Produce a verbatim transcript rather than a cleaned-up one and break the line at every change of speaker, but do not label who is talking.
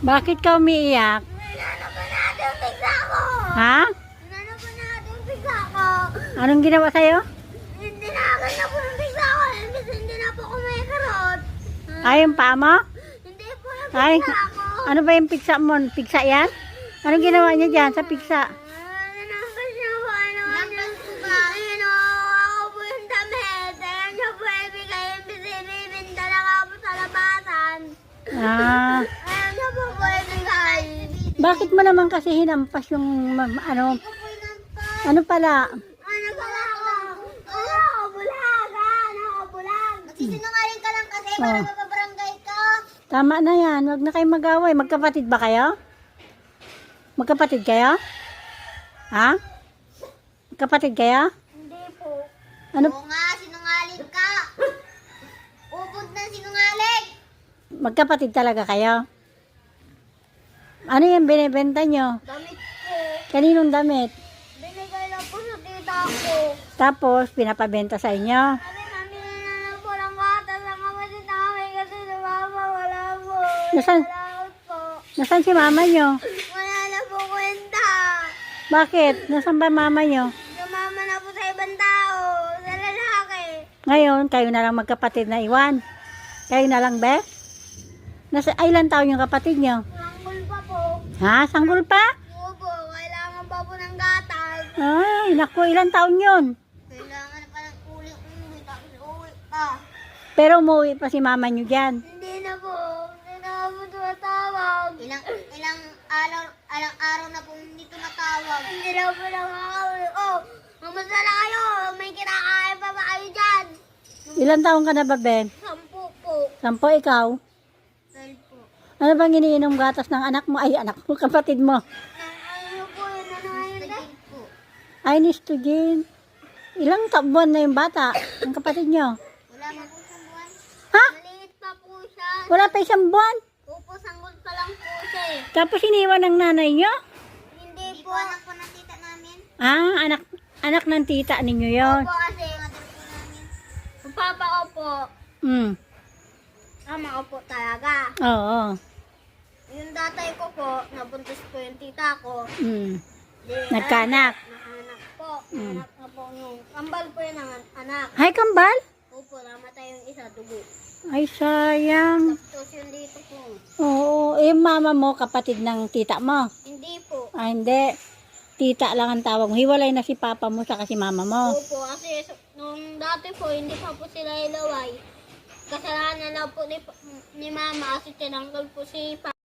Bakit ka umiiyak?
Inano ba natin yung pigsa ko?
Ha?
Inano ba natin yung pigsa ko?
Anong ginawa sa'yo?
Hindi na agad na po yung pigsa ko. Imbis hindi na po kumikarot.
Ay, yung paa mo?
Hindi po yung
Ay,
pigsa ko.
ano ba yung piksa mo? Piksa yan? Anong ginawa niya dyan sa piksa?
Ano naman siya po? Ano naman po ba? Ano, ako po yung damit. Ayan siya po ibigay. Imbis ibibinda na nga po sa labasan.
Ah,
Ayan siya po po ibigay.
bakit mo naman kasi hinampas yung ma- ano? Ano pala?
Ano pala ako? Ano ako? Bulaga! Ano ako? Bulag! Magsisinungaling ka lang kasi para
Oh.
mapabarangay ka.
Tama na yan. Huwag na kayo mag-away. Magkapatid ba kayo? Magkapatid kayo? Ha? Magkapatid kayo?
Hindi po.
Ano?
Oo nga, sinungaling ka. Ubod na sinungaling.
Magkapatid talaga kayo? Ano yung binibenta nyo?
Damit ko.
Kaninong damit?
Binigay lang po sa tita ko.
Tapos, pinapabenta sa inyo?
Sabi namin na lang po ng gatas ang kapatid namin kasi si mama wala po.
Nasaan?
Nalaot po.
Nasaan si mama nyo?
Wala na po kwenta.
Bakit? Nasaan ba mama nyo?
Sumama na po sa ibang tao. Sa lalaki.
Ngayon, kayo na lang magkapatid na iwan. Kayo na lang, be? Nasa ay, ilan taon yung kapatid nyo?
Langgol pa po.
Ha? Sanggol pa?
Opo, kailangan pa po ng gatas.
Ay, naku, ilan taon yun?
Kailangan pa ng uli-uli, tapos uwi pa.
Pero umuwi pa si mama nyo dyan.
Hindi na po, hindi na po tumatawag. Ilang, ilang araw, ilang araw na po hindi tumatawag. Hindi na po nakakauwi. Oh, mamusta na kayo? May kinakain pa ba kayo dyan?
Ilan taon ka na ba, Ben?
Sampu po.
Sampo, ikaw?
Twelve po.
Ano bang iniinom gatas ng anak mo? Ay, anak mo, kapatid mo.
Ano po yun? Ano yun? Po.
Ay, Nistogin. Ilang ta- buwan na yung bata? Ang kapatid nyo?
Wala pa po siyang buwan.
Ha?
Maliit pa po siya.
Wala pa isang buwan?
Opo, sanggol pa lang po siya eh.
Tapos iniwan ng nanay nyo?
Hindi po. Anak po ng tita namin.
Ah, anak anak ng tita ninyo yon.
Opo kasi. Ang papa ko po.
Hmm.
Ama ko po talaga.
Oo.
Yung tatay ko po, nabuntis po yung tita ko.
Hmm.
Di,
Nagkaanak.
Nakanak po.
Mm.
Anak na po yung kambal po yun ang anak.
Hay, kambal?
Opo, namatay yung isa, dugo.
Ay, sayang.
Tapos yung dito po.
Oo. Eh, mama mo, kapatid ng tita mo.
Hindi po.
Ah, hindi. Tita lang ang tawag mo. Hiwalay na si papa mo sa si mama mo.
Opo, kasi so- nung dati po, hindi pa po sila ilaway. Kasalanan na po ni, ni mama kasi tinanggal po si pa.